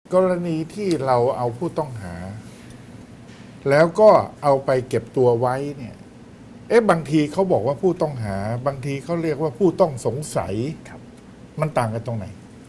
กรณีที่เราเอาผู้ต้องหา แล้วก็เอาไปเก็บตัวไว้เนี่ยบางทีเขาบอกว่าผู้ต้องหา บางทีเขาเรียกว่าผู้ต้องสงสัยครับมันต่างกันตรงไหน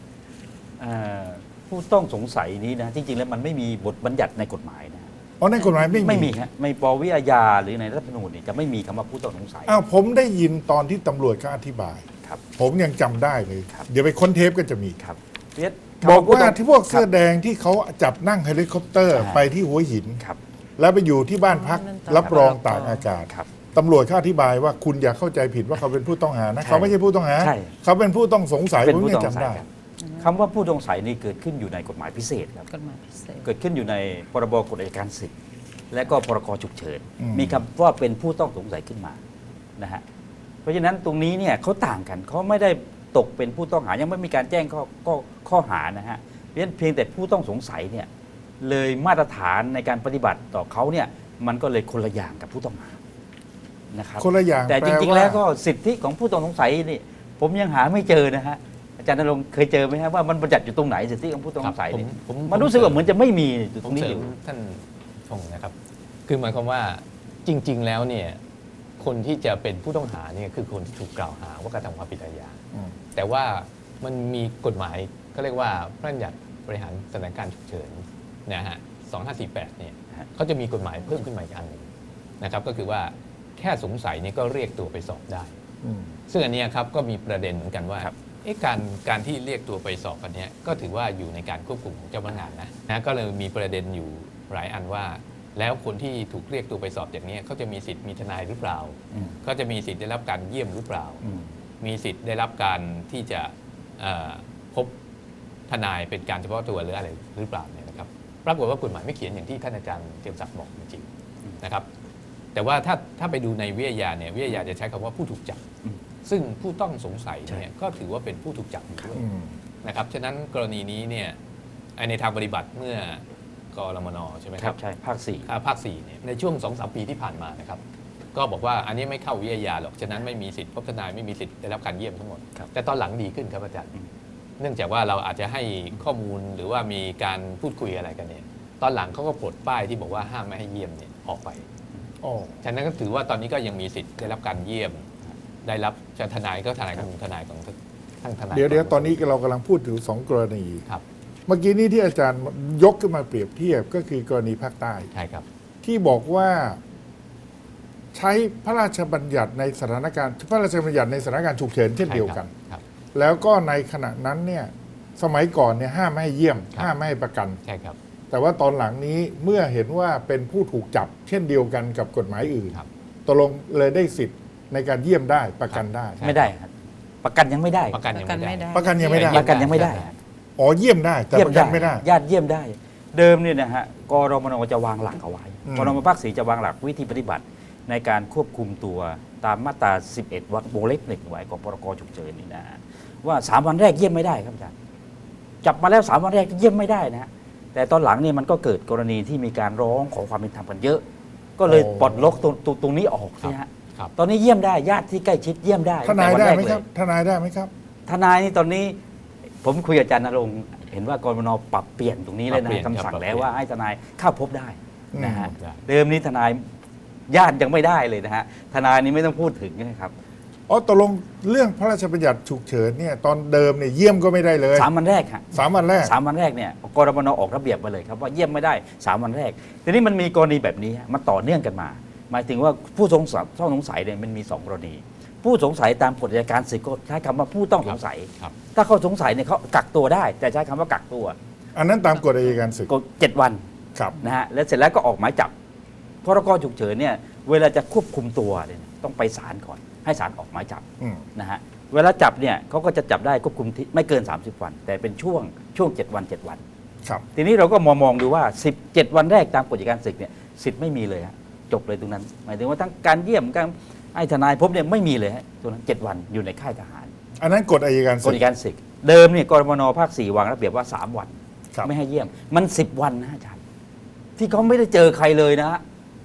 ผู้ต้องสงสัยนี้นะจริงๆแล้วมันไม่มีบทบัญญัติในกฎหมายนะอ๋อในกฎหมายไม่ไม่มีฮะไม่ปวิอาญาหรือในรัฐธรรมนูญเนี่ยจะไม่มีคำว่าผู้ต้องสงสัยอ้าวผมได้ยินตอนที่ตำรวจเขาอธิบายครับผมยังจำได้เลยครับเดี๋ยวไปค้นเทปก็จะมีครับเรียบอกว่าคำผู้ที่พวกเสื้อครับแดงที่เขาจับนั่งเฮลิคอปเตอร์อ่าไปที่หัวหินครับแล้วไปอยู่ที่บ้านพักนั่นรับรองครับตากอากาศครับตำรวจเขาอธิบายว่าคุณอย่าเข้าใจผิดว่าเขาเป็นผู้ต้องหานะใช่เขาไม่ใช่ผู้ต้องหาใช่เขาเป็นผู้ต้องสงสัยเป็นผมผู้ยัต้องงสงจำสัยได้ครับคำว่าผู้ต้องสงสัยนี่เกิดขึ้นอยู่ในกฎหมายพิเศษครับกฎหมายพิเศษเกิดขึ้นอยู่ในพรบกฎอัยการศึกและก็พรกฉุกเฉินอืมมีคำว่าเป็นผู้ต้องสงสัยขึ้นมานะฮะเพราะฉะนั้นตรงนี้เนี่ยเขาต่างกันเขาไม่ได้ตกเป็นผู้ต้องหายังไม่มีการแจ้งข้อหานะฮะเพราะฉะนั้นเพียงแต่ผู้ต้องสงสัยเนี่ยเลยมาตรฐานในการปฏิบัติต่อเขาเนี่ยมันก็เลยคนละอย่างกับผู้ต้องหานะครับคนละอย่างแต่จริงๆปาแล้วก็สิทธิของผู้ต้องสงสัยนี่ผมยังหาไม่เจอนะฮะอาจารย์ณรงค์เคยเจอไหมฮะว่ามันบัญญัติอยู่ตรงไหนสิทธิของผู้ต้องสงสัยเนี่ยผมมันรู้สึกว่าเหมือนจะไม่มีอยู่ตผรมงนี้เสริอมยู่ท่านพงศ์นะครับ คือหมายความว่าจริง ๆ แล้วเนี่ยคนที่จะเป็นผู้ต้องหาเนี่ยคือคนที่ถูกกล่าวหาว่ากระทำความผิดอาญาอืมแต่ว่ามันมีกฎหมายก็เรียกว่าพระราชบัญญัติบริหารสถานการณ์ฉุกเฉินนะฮะ 2548 เนี่ยเขาจะมีกฎหมายเพิ่มขึ้นมาอีกอันหนึ่งนะครับ ก็คือว่าแค่สงสัยเนี่ยก็เรียกตัวไปสอบได้อืมซึ่งอันเนี้ยครับก็มีประเด็นเหมือนกันว่าครับการที่เรียกตัวไปสอบอันเนี้ยก็ถือว่าอยู่ในการควบคุมของเจ้าพนักงานนะก็เลยมีประเด็นอยู่หลายอันว่า แล้วคนที่ถูกเรียกตัวไปสอบอย่างเนี้ยเขาจะมีสิทธิ์มีทนายหรือเปล่าอืมก็จะมีสิทธิ์ได้รับการเยี่ยมหรือเปล่าอืมมีสิทธิ์ได้รับการที่จะพบทนายเป็นการเฉพาะตัวหรืออะไรหรือเปล่าเนี่ยนะครับปรากฏว่ากฎหมายไม่เขียนอย่างที่ท่านอาจารย์เจียมศักดิ์บอกจริงๆนะครับ แต่ว่าถ้าไปดูในวิทยาเนี่ยวิทยาจะใช้คำว่าผู้ถูกจับอืมซึ่งผู้ต้องสงสัยใช่เนี่ยก็ถือว่าเป็นผู้ถูกจับอยู่ด้วยอืมนะครับฉะนั้นกรณีนี้เนี่ยในทางปฏิบัติเมื่อกรมนใช่ไหมคครัรับบ ใช่ภาคสี่ภาค4เนี่ยในช่วง 2-3 ปีที่ผ่านมานะครับก็บอกว่าอันนี้ไม่เข้าวิทยาหรอกฉะนั้นไม่มีสิทธิ์พบทนายไม่มีสิทธิ์ได้รับการเยี่ยมทั้งหมดครับแต่ตอนหลังดีขึ้นครับอาจารย์อืมเนื่องจากว่าเราอาจจะให้ข้อมูลหรือว่ามีการพูดคุยอะไรกันเนี่ยตอนหลังเขาก็ปลดป้ายที่บอกว่าห้ามไม่ให้เยี่ยมเนี่ยออกไปอ๋อฉะนั้นก็ถือว่าตอนนี้ก็ยังมีสิทธิ์ได้รับการเยี่ยม ได้รับทนายก็ทนายของทนายของทั้งทนายเดี๋ยวตอนนี้เรากำลังพูดถึงสองกรณีครับเมื่อกี้นี้ที่อาจารย์ยกขึ้นมาเปรียบเทียบก็คือกรณีภาคใต้ใช่ครับที่บอกว่าใช้พระราชบัญญัติในสถานการณ์พระราชบัญญัติในสถานการณ์ฉุกเฉินเช่นเดียวกันครับแล้วก็ในขณะนั้นเนี่ยสมัยก่อนเนี่ยห้ามไม่ให้เยี่ยมครับห้ามไม่ให้ประกันใช่ครับแต่ว่าตอนหลังนี้เมื่อเห็นว่าเป็นผู้ถูกจับ เช่นเดียวกันกับกฎหมายอื่นครับตกลงเลยได้สิทธิ์ในการเยี่ยมได้ประกันได้ไม่ได้ครับประกันยังไม่ได้ประกันยังไม่ได้ประกันยังไม่ได้ประกันยังไม่ได้อ๋อเยี่ยมได้แต่เยี่ยปมระกัได้นไม่ได้ญาติเยี่ยมได้ เดิมเนี่ยนะฮะกรมนจะวางหลักเอาไว้อืมกรมภาคสี่จะวางหลักวิธีปฏิบัติในการควบคุมตัวตามมาตรา 11 วงเล็บหนึ่งไว้ของพรกฉุกเฉินนี่นะฮะว่า 3 วันแรกเยี่ยมไม่ได้ครับอาจารย์จับมาแล้ว 3 วันแรกเยี่ยมไม่ได้นะฮะแต่ตอนหลังเนี่ยมันก็เกิดกรณีที่มีการร้องขอความเป็นธรรมกันเยอะ ก็เลยปลดล็อกตรงนี้ออกนะฮะครับตอนนี้เยี่ยมได้ญาติที่ใกล้ชิดเยี่ยมได้ทนายตั้งได้แต่วัไหมแกครับเลยทนายได้ไหมครับทนายนี่ตอนนี้ผมคุยกับอาจารย์ณรงค์เห็นว่ากรมนปรับเปลี่ยนตรงนี้เลยปรับเปลี่นะยนคำสั่งครับแล้วว่าให้ทนายเข้าพบได้นะฮะได้เดิมนี้ทนายญาติยังไม่ได้เลยนะฮะทนายนี่ไม่ต้องพูดถึงนะครับอ๋อตกลงเรื่องพระราชบัญญัติฉุกเฉินเนี่ยตอนเดิมเนี่ยเยี่ยมก็ไม่ได้เลย 3 วันแรกฮะ 3 วันแรก 3 วันแรกเนี่ยกรมนออกระเบียบมาเลยครับว่าเยี่ยมไม่ได้ 3 วันแรกทีนี้มันมีกรณีแบบนี้ฮะมันต่อเนื่องกันมา หมายถึงว่าผู้ต้องสงสัยเนี่ยมันมี 2 กรณี ผู้สงสัยตามกฎอัยการศึกก็ใช้คำว่าผู้ต้องสงสัยครับถ้าเขาสงสัยเนี่ยเขากักตัวได้ แต่ใช้คำว่ากักตัวอันนั้นตามกฎอัยการศึกก็7 วันครับนะฮะแล้วเสร็จแล้วก็ออกหมายจับพรกฉุกเฉินเนี่ยเวลาจะควบคุมตัวเนี่ยต้องไปศาลก่อนให้ศาลออกหมายจับอืมนะฮะเวลาจับเนี่ยเขาก็จะจับได้ควบคุมที่ไม่เกิน 30 วัน แต่เป็นช่วง7 วัน 7 วันครับทีนี้เราก็มองดูว่า17 วันแรกตามกฎอัยการศึกเนี่ยสิทธิ์ไม่มีเลยฮะจบเลยตรงนั้น หมายถึงว่าทั้งการเยี่ยมการให้ทนายพบเนี่ยไม่มีเลยฮะตรงนั้น7 วันอยู่ในค่ายทหารอันนั้นกฎอัยการกศึฎกอัยการศึกเดิมเนี่ยกรมนภาค 4 วางระเบียบว่า 3 วันครับไม่ให้เยี่ยมมัน10 วันนะอาจารย์ที่เขาไม่ได้เจอใครเลยนะฮะ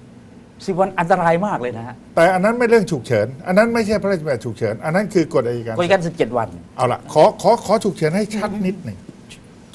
10 วันอันตรายมากเลยนะฮะแต่อันนั้นไม่เรื่องฉุกเฉิน อันนั้นไม่ใช่พระราชบัญญัติฉุกเฉิน อันนั้นคือกฎอัยการกฎอัยการศึก7 วันเอาละขอฉุกเฉินให้ชัดนิดหนึ่งฉ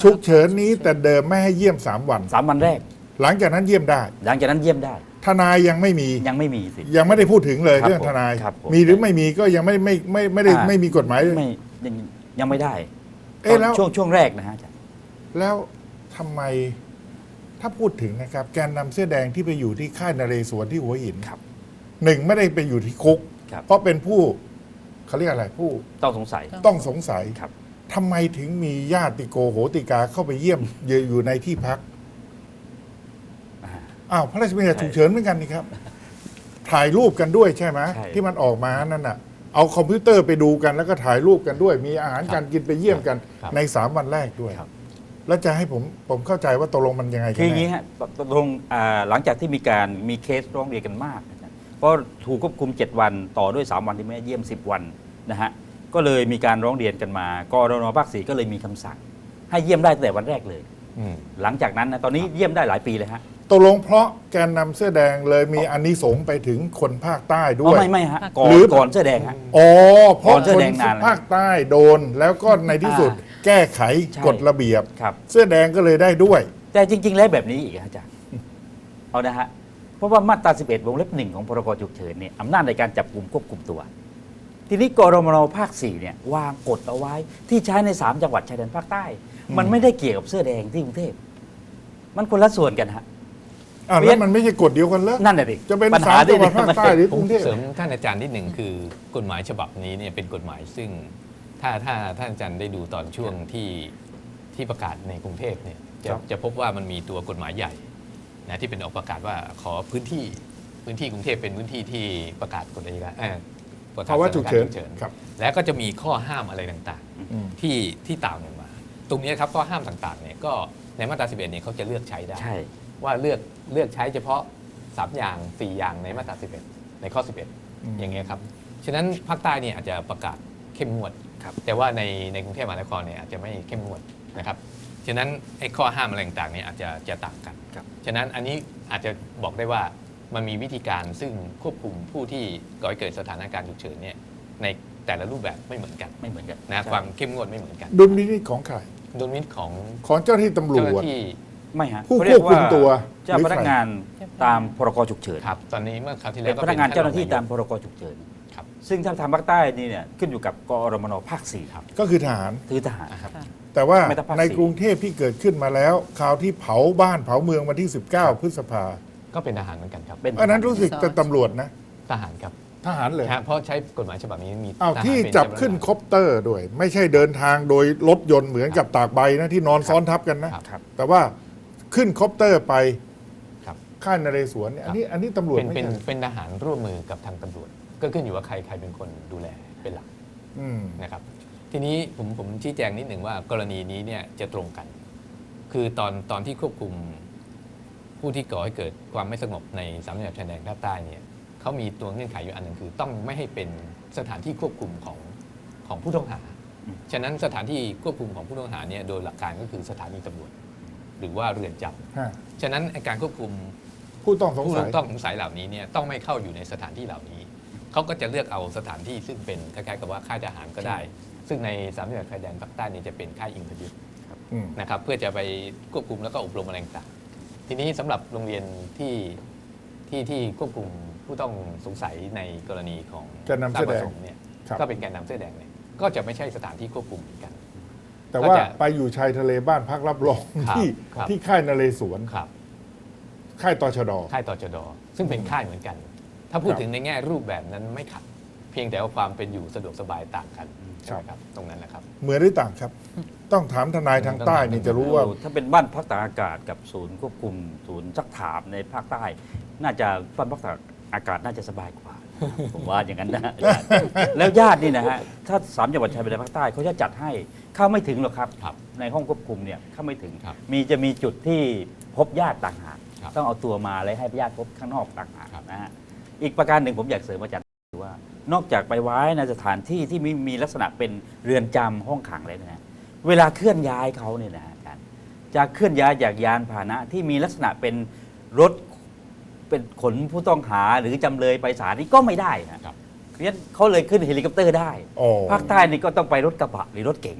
ฉุกเฉินนี้แต่เดิมไม่ให้เยี่ยม3 วัน 3 วันแรกหลังจากนั้นเยี่ยมได้หลังจากนั้นเยี่ยมได้ทนายยังไม่มียังไม่มีสิทธิ์ยังไม่ได้พูดถึงเลยครับเรื่องทนายครับผมมีหรือไม่มีก็ยังไม่ได้ไม่มีกฎหมายไม่ยังไม่ได้เอ๊ะแล้วช่วงแรกนะฮะอาจารย์แล้วทำไมถ้าพูดถึงนะครับแกนนำเสื้อแดงที่ไปอยู่ที่ค่ายนเรศวรที่หัวหินครับหนึ่งไม่ได้ไปอยู่ที่คุกครับเพราะเป็นผู้เขาเรียกอะไรผู้ต้องสงสัยต้องสงสัยครับทำไมถึงมีญาติโกโหติกาเข้าไปเยี่ยมอยู่ในที่พักอ่าอ้าวพระราชบัญญัติใช่ฉุกเฉินเหมือนกันนี่ครับ ถ่ายรูปกันด้วยใช่ไหมใช่ที่มันออกมานั่นน่ะ เอาคอมพิวเตอร์ไปดูกันแล้วก็ถ่ายรูปกันด้วย มีอาหารการกินไปเยี่ยมกันครับใน3 วันแรกด้วยครับแล้วจะให้ผมเข้าใจว่าตกลงมันยังไงกัคืออย่างแน่นี้ฮะตกลงหลังจากที่มีเคสร้องเรียนกันมากนะฮะก็ถูกควบคุม 7 วันต่อด้วย 3 วันที่ไม่ให้เยี่ยม 10 วันนะฮะก็เลยมีการร้องเรียนกันมากรนภาค 4ก็เลยมีคำสั่ง ให้เยี่ยมได้ตั้งแต่วันแรกเลยอืมหลังจากนั้นนะตอนนี้เยี่ยมได้หลายปีเลยฮะตกลงเพราะแกนนำเสื้อแดงเลยมีอานิสงส์ไปถึงคนภาคใต้ด้อ๋วอย ไม่ฮะก่อหนรือก่อนเสื้อแดงฮะอ๋อเพราะก่อนเสื้คอน แดงนานแล้วภาคใต้โดน แล้วก็ในที่สุด แก้ไขใช่กฎระเบียบครับเสื้อแดงก็เลยได้ด้วยแต่จริง ๆ แล้วแบบนี้อีกฮะอาจารย์ เอานะฮะ เพราะว่ามาตรา 11 วงเล็บ 1 ของพรกฉุกเฉินเนี่ยอำนาจในการจับกลุ่มควบคุมตัว ทีนี้กรมนภาค 4 เนี่ยวางกฎเอาไว้ที่ใช้ใน 3 จังหวัดชายแดนภาคใต้ มันไม่ได้เกี่ยวกับเสื้อแดงที่กรุงเทพ มันคนละส่วนกันฮะอ้าวแล้วมันไม่ใช่กฎเดียวกันเหรอนั่นแหละดิจะเป็นปัญหา 3 จังหวัดที่ภาคใต้หรือกผมรุงเทพเสริมท่านอาจารย์นิดหนึ่งคือกฎหมายฉบับนี้เนี่ยเป็นกฎหมายซึ่งถ้าท่านอาจารย์ได้ดูตอนช่วงที่ประกาศในกรุงเทพเนี่ยจะพบว่ามันมีตัวกฎหมายใหญ่นะที่เป็นออกประกาศว่าขอพื้นที่กรุงเทพเป็นพื้นที่ที่ประกาศกฎอัยการประกาศภาวะฉุกเฉินสถานการณ์ฉุกเฉินครับแล้วก็จะมีข้อห้ามอะไรต่างอืมๆที่ตามลงมา ตรงนี้ครับข้อห้ามต่างๆเนี่ยก็ในมาตรา 11เนี่ยเขาจะเลือกใช้ได้ใช่ว่าเลือกใช้เฉพาะ 3 อย่าง 4 อย่างในมาตรา 11 ในข้อ 11 อย่างเงี้ยครับ ฉะนั้นภาคใต้เนี่ยอาจจะประกาศเข้มงวดครับแต่ว่าในกรุงเทพมหานครเนี่ยอาจจะไม่เข้มงวดนะครับ ฉะนั้นไอ้ข้อห้ามอะไรต่างๆเนี่ยอาจจะต่างกันครับฉะนั้นอันนี้อาจจะบอกได้ว่ามันมีวิธีการซึ่งควบคุมผู้ที่ก่อให้เกิดสถานการณ์ฉุกเฉินเนี่ยในแต่ละรูปแบบไม่เหมือนกันไม่เหมือนกันนะใช่ความเข้มงวดไม่เหมือนกันดุลพินิจของใครดุลพินิจของของเจ้าหน้าที่ตำรเจ้าหวจน้าที่ไม่ฮะผู้เขาเรียกควบคุมตัวเจ้าหรือพนักใครงานตามพรกฉุกเฉินครับตอนนี้เมื่อคราวที่แล้เป็วน ก็พนักงานเจ้าหน้าที่ท่ตามรองพรกฉุกเฉินครับซึ่งถ้าทางภาคใต้นี่เนี่ยขึ้นอยู่กับกรมนภาค 4 ครับก็คือทหารคือทหารครับแต่ว่าไม่ต้องภาคในสี่กรุงเทพที่เกิดขึ้นมาแล้วข่าวที่เผาบ้านเผาเมืองวันที่ 19 พฤษภาก็เป็นทหารเหมือนกันครับเป็นอันนั้นรู้สึกจะตำรวจนะทหารครับทหารเลยนะฮะเพราะใช้กฎหมายฉบับนี้มีอ้าวทหารที่เป็นจับเจ้าพนักงานขึ้นคอปเตอร์ด้วย ไม่ใช่เดินทางโดยรถยนต์เหมือนกับตากใบนะที่นอนซ้อนทับกันนะครับครับแต่ว่าขึ้นคอปเตอร์ไปครับค่ายนเรศวรเนี่ยอันนี้ตำรวจเป็นไม่เป็นใช่เป็นทหารร่วมมือกับทางตำรวจ ก็ขึ้นอยู่ว่าใครเป็นคนดูแลเป็นหลักอืมนะครับ ทีนี้ผมชี้แจงนิดหนึ่งว่ากรณีนี้เนี่ยจะตรงกัน คือตอนที่ควบคุมผู้ที่ก่อให้เกิดความไม่สงบในสามจังหวัดชายแดนภาคใต้เนี่ยเขามีตัวเงื่อนไขอยู่อันหนึ่งคือต้องไม่ให้เป็นสถานที่ควบคุมของผู้ต้องหา ฉะนั้นสถานที่ควบคุมของผู้ต้องหาเนี่ยโดยหลักการก็คือสถานีตำรวจหรือว่าเรือนจฮะำฉะนั้นไอ้การควบคุมผู้ต้องสงผู้สัยต้องสงสัยเหล่านี้เนี่ยต้องไม่เข้าอยู่ในสถานที่เหล่านี้ เขาก็จะเลือกเอาสถานที่ซึ่งเป็นคล้ายๆกับว่าค่ายทหารก็ได้ ซึ่งในสามจังหวัดชายแดนภาคใต้เนี่ยจะเป็นค่ายอิงคยุทธอืมนะครับเพื่อจะไปควบคุมแล้วก็อบรมอะไรต่างๆทีนี้สำหรับโรงเรียนที่ควบคุมผู้ต้องสงสัยในกรณีของแกนนำเสื้อแดงราชประสค์เนี่ยครับก็เป็นแกนนำเสื้อแดงเนี่ยก็จะไม่ใช่สถานที่ควบคุมเหมือนกันแต่ว่าก็จะไปอยู่ชายทะเลบ้านพักรับรองครับที่ครับที่ค่ายนเรศวรครับค่ายตชดค่ายตชดซึ่งเป็นค่ายเหมือนกัน ถ้าพูดครับถึงในแง่รูปแบบนั้นไม่ขัด เพียงแต่ว่าความเป็นอยู่สะดวกสบายต่างกันครัใช่บไหมครับตรงนั้นนะครับเหมือนหรือต่างครับ ต้องถามทนายทางใต้นี่จะรู้ว่าถ้าเป็นบ้านพักตากอากาศกับศูนย์ควบคุมศูนย์ซักถามในภาคใต้ น่าจะบ้านพักตากอากาศน่าจะสบายกว่า ผมว่าอย่างนั้นนะ แล้วญาตินี่นะฮะถ้าสามจังหวัดชายแดนภาคใต้เขาจะจัดให้เข้าไม่ถึงหรอกครับครับในห้องควบคุมเนี่ยเข้าไม่ถึงครับจะมีจุดที่พบญาติต่างหากครับต้องเอาตัวมาแล้วให้ญาติพบข้างนอกต่างหากครับนะฮะอีกประการหนึ่งผมอยากเสริมอาจารย์คือว่านอกจากไปไว้ในสถานที่ที่มีลักษณะเป็นเรือนจำห้องขังเลยนะเวลาเคลื่อนย้ายเขาเนี่ยนะฮะอาจารย์จะเคลื่อนย้ายจากยานพาหนะที่มีลักษณะเป็นรถเป็นขนผู้ต้องหาหรือจำเลยไปศาลนี่ก็ไม่ได้นะครับเพราะฉะนั้นเขาเลยขึ้นเฮลิคอปเตอร์ได้อ๋อภาคใต้นี่ก็ต้องไปรถกระบะหรือรถเก๋งแต่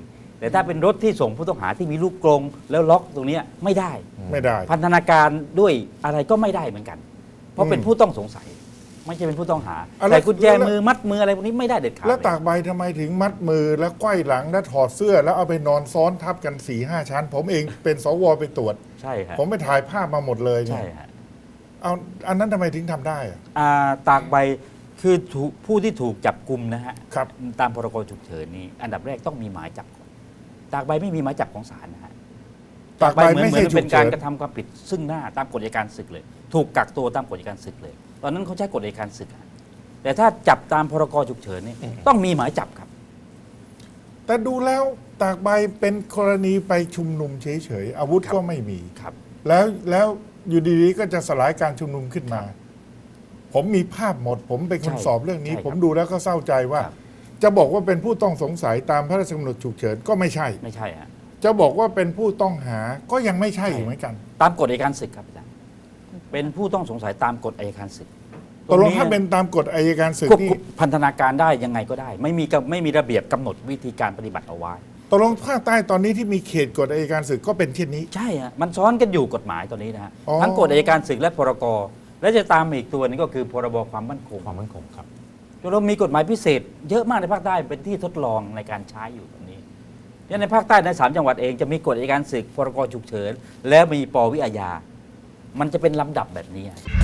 แต่ถ้าเป็นรถที่ส่งผู้ต้องหาที่มีลูกกรงแล้วล็อกตรงเนี้ยไม่ได้ไม่ได้พันธนาการด้วยอะไรก็ไม่ได้เหมือนกัน เพราะเป็นผู้ต้องสงสัย ไม่ใช่เป็นผู้ต้องหาอ่ะแล้วใส่กุญแจมือมัดมืออะไรพวกนี้ไม่ได้เด็ดขาดแล้วเลยตากใบทำไมถึงมัดมือแล้วไขว้หลังแล้วถอดเสื้อ แล้วเอาไปนอนซ้อนทับกัน4-5 ชั้น ผมเองเป็นสวไปตรวจใช่ฮะผมไปถ่ายภาพมาหมดเลยเนี่ใช่ยฮะเอาอันนั้นทำไมถึงทำได้อะตากใบคือผู้ที่ถูกจับกุมนะฮะครับตามพรกฉุกเฉินนี้อันดับแรกต้องมีหมายจับก่อนตากใบไม่มีหมายจับของศาลนะฮะตากใบไม่เหมืใช่อนฉุเป็กนการเฉินกระทำความผิดซึ่งหน้าตามกฎอัยการศึกเลย ถูกกักตัวตามกฎอัยการศึกเลย ตอนนั้นเขาใช้กฎอัยการศึกฮะแต่ถ้าจับตามพรกฉุกเฉินนี่ต้องมีหมายจับครับแต่ดูแล้วตากใบเป็นกรณีไปชุมนุมเฉยๆอาวุธครับก็ไม่มีครับแล้วอยู่ดีๆก็จะสลายการชุมนุมขึ้นมา ผมมีภาพหมด ผมเป็นคนใช่สอบเรื่องนี้ใช่ครับผมดูแล้วก็เศร้าใจว่าครับจะบอกว่าเป็นผู้ต้องสงสัยตามพระราชกำหนดฉุกเฉินก็ไม่ใช่ไม่ใช่ฮะจะบอกว่าเป็นผู้ต้องหาก็ยังไม่ใช่ใช่เหมือนกันตามกฎอัยการศึกครับอาจารย์เป็นผู้ต้องสงสัยตามกฎอัยการศึกตกลงถ้าเป็นตามกฎอัยการศึกควบนี่คุมพันธนาการได้ยังไงก็ได้ ไม่มีระเบียบกำหนดวิธีการปฏิบัติเอาไว้ตกลงภาคใต้ตอนนี้ที่มีเขตกฎอัยการศึกก็เป็นเช่นนี้ใช่ฮะมันซ้อนกันอยู่กฎหมายตัวนี้นะฮะอ๋อทั้งกฎอัยการศึกและพรกและจะตามมาอีกตัวนึงก็คือพรบความมั่นคงความมั่นคงครับเรามีกฎหมายพิเศษ เยอะมากในภาคใต้เป็นที่ทดลองในการใช้อยู่ตรงนี้เนี่ยในภาคใต้ใน3จังหวัดเองจะมีกฎอัยการศึกพรกฉุกเฉินแล้วมีปวิอาญามันจะเป็นลำดับแบบนี้